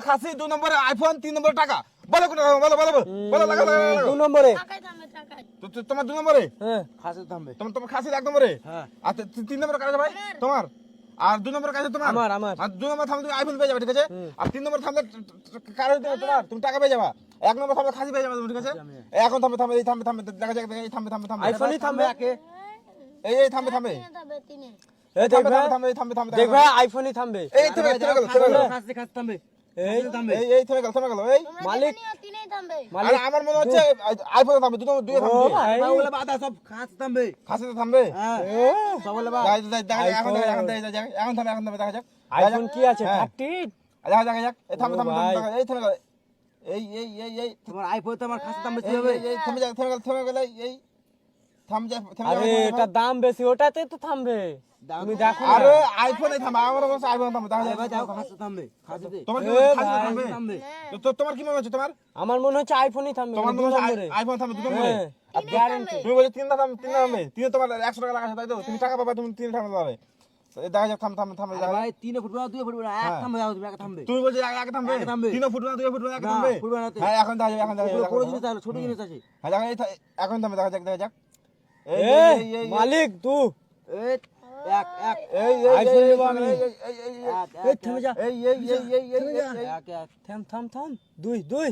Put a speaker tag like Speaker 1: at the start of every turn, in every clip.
Speaker 1: খাসি, 2 নম্বরে আইফোন, 3 নম্বরে টাকা। বলো কোনটা, বলো বলো বলো, লাগা
Speaker 2: 2 নম্বরে।
Speaker 1: তোমার 2 নম্বরে,
Speaker 2: হ্যাঁ
Speaker 3: খাসি থামবে।
Speaker 1: তোমার খাসি 1 নম্বরে।
Speaker 3: হ্যাঁ।
Speaker 1: আর 3 নম্বরে কাজ ভাই তোমার, আর 2 নম্বরে কাজ তোমার।
Speaker 2: আমার
Speaker 1: আর 2 নম্বরে থামলে তুমি আইফোন পেয়ে যাবে, ঠিক আছে? আর 3 নম্বরে থামলে কারো তোমার, তুমি টাকা পেয়ে যাবা। 1 নম্বরে থামলে খাসি পেয়ে যাবে তুমি, ঠিক আছে? এখন থামবে থামবে, এই থামবে থামবে, দেখা যাক, এই থামবে থামবে থামবে,
Speaker 2: আইফোনই থামবে।
Speaker 1: এই থামবে থামবে,
Speaker 2: এই দেখ ভাই,
Speaker 1: থামবে থামবে থামবে,
Speaker 2: দেখ ভাই আইফোনই থামবে।
Speaker 1: এই থেমে গেল,
Speaker 3: খাসি থামবে।
Speaker 2: এই
Speaker 1: এই থেমে গেল, এই
Speaker 2: মালিক
Speaker 1: আরে আমার মনে হচ্ছে আইফোন থামবে, দুটো
Speaker 2: ও
Speaker 1: থামবে,
Speaker 2: ভাই,
Speaker 3: ওগুলা বাধা সব খাসি থামবে।
Speaker 1: খাসিতে থামবে।
Speaker 3: হ্যাঁ।
Speaker 2: এ,
Speaker 3: সবগুলা বাদ।
Speaker 1: এখন থামবে, দেখা যাক,
Speaker 2: আইফোন কি আছে?
Speaker 1: হ্যাঁ।
Speaker 2: 30।
Speaker 1: দেখা যাক, এই থামবে থামবে,
Speaker 2: ভাই।
Speaker 1: এই থেমে গেল, এই
Speaker 3: তোমার আইফোন তো আমার খাসি থামবে
Speaker 1: এই
Speaker 3: কিভাবে?
Speaker 1: থেমে গেল, এই থাম যা, থেমে
Speaker 2: আরে
Speaker 1: গেল।
Speaker 2: এটা দাম বেশি, ওটাতে তো থামবে। তুমি দেখো না।
Speaker 1: আরে আইফোনে থামবে, আমার কাছে আইফোন থামবে, দেখা
Speaker 3: ভাই
Speaker 1: যাক।
Speaker 3: যাও খাসি থামবে। খাসিতে
Speaker 1: তোমার কি
Speaker 2: এ
Speaker 1: মনে হচ্ছে খাসিতে
Speaker 2: ভাই।
Speaker 1: থামবে?
Speaker 3: থামবে।
Speaker 1: তোমার কি মনে হচ্ছে তোমার?
Speaker 2: আমার মনে হচ্ছে আইফোনই থামবে।
Speaker 1: তোমার মনে
Speaker 2: 2
Speaker 1: হচ্ছে
Speaker 2: নম্বরে।
Speaker 1: আইফোন থামবে, 2 নম্বরে।
Speaker 2: হ্যাঁ,
Speaker 1: আর
Speaker 2: গ্যারান্টি।
Speaker 1: তুমি বলছো 3 থামবে, 3 তোমার 100 টাকা লাগা আছে, তাই তো? তুমি টাকা পাবা, তুমি 3 থামতে পারবে। দেখা যাক, থাম,
Speaker 3: আরে
Speaker 1: দেখা যাক।
Speaker 3: ভাই 3 ফুটবল 2 ফুটবল এক
Speaker 1: হ্যাঁ।
Speaker 3: থামবে, যাও তুমি এক থামবে।
Speaker 1: তুমি বলছো আগে থামবে,
Speaker 3: আগে থামবে।
Speaker 1: 3 ফুট না 2 ফুট না আগে
Speaker 3: না,
Speaker 1: থামবে।
Speaker 3: ফুটবল না তো।
Speaker 1: হ্যাঁ এখন দেখা যাবে, এখন দেখা যাবে,
Speaker 3: বড় জিনিস আছে, ছোট জিনিস আছে।
Speaker 1: হ্যাঁ দেখা যাক, এখন থামবে, দেখা যাক, দেখা যাক।
Speaker 2: এ মালিক তুই
Speaker 3: এই এক এক
Speaker 2: আইফোন নেবো আমি।
Speaker 3: এই থেমে যা। এক এক
Speaker 2: থাম থাম থাম। 2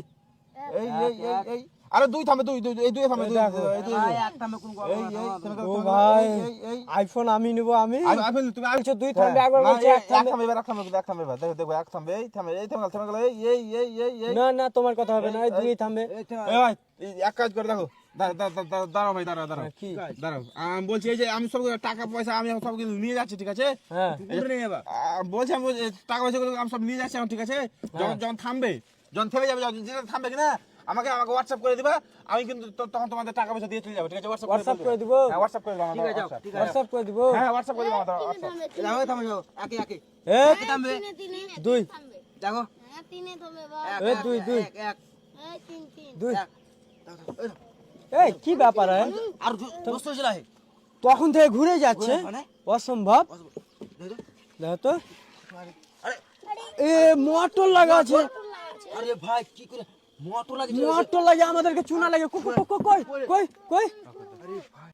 Speaker 1: আরে 2 থামবে, 2 এই 2 থামবে,
Speaker 2: দেখো।
Speaker 3: ভাই এক থামবে কোন
Speaker 2: ও ভাই আইফোন আমি নেব আমি।
Speaker 1: আইফোন তুমি আর
Speaker 2: বলছো 2 থামবে, একবার বলছো 1
Speaker 1: এক
Speaker 2: থামবে।
Speaker 1: থামবে, এক থামবে, এক থামবে, দেখো দেখো, এক থামবে, এই থামবে, এই থেমে গেল, এই
Speaker 2: না না তোমার কথা হবে না, এই 2 থামবে।
Speaker 3: এই থেমে
Speaker 1: এই ভাই, এক কাজ করে দেখো, দাঁড়াও ভাই, দাঁড়াও
Speaker 2: কি?
Speaker 1: দাঁড়াও। আমি বলছি এই যে আমি সব টাকা পয়সা আমি সব কিছু নিয়ে যাচ্ছি, ঠিক আছে?
Speaker 2: হ্যাঁ
Speaker 3: পুকুরে নিয়ে যাবা।
Speaker 1: বলছি আমি টাকা পয়সা গুলো আমি সব নিয়ে যাচ্ছি এখন, ঠিক আছে? যখন যখন থামবে, যখন থেমে যাবে, যখন যেটা থামবে কিনা আমাকে হোয়াটসঅ্যাপ করে দিবা, আমি কিন্তু তখন তোমাদের টাকা পয়সা দিয়ে চলে যাবো, ঠিক আছে?
Speaker 2: হোয়াটসঅ্যাপ করে দিব।
Speaker 1: হ্যাঁ হোয়াটসঅ্যাপ করে দাও,
Speaker 3: ঠিক আছে যাও, ঠিক আছে
Speaker 2: হোয়াটসঅ্যাপ করে দিব।
Speaker 1: হ্যাঁ হোয়াটসঅ্যাপ করে দিবা আমাদের হোয়াটসঅ্যাপ।
Speaker 3: যাও থামে যাও একে একে
Speaker 2: এ
Speaker 3: একে থামবে।
Speaker 2: 2
Speaker 3: দেখো
Speaker 2: এ 2
Speaker 3: এক এক
Speaker 2: 2
Speaker 3: এক
Speaker 2: এই কি ব্যাপার है?
Speaker 3: আর দোস্ত ছিল হে
Speaker 2: তখন থেকে ঘুরে যাচ্ছে,
Speaker 3: মানে
Speaker 2: অসম্ভব। দেখো তো,
Speaker 3: আরে
Speaker 2: এ মোটর লাগা আছে,
Speaker 3: আরে ভাই কি করে মোটর লাগিয়েছে?
Speaker 2: মোটর লাগে, আমাদেরকে চুনা লাগে। কই কই কই কই কই
Speaker 3: আরে ভাই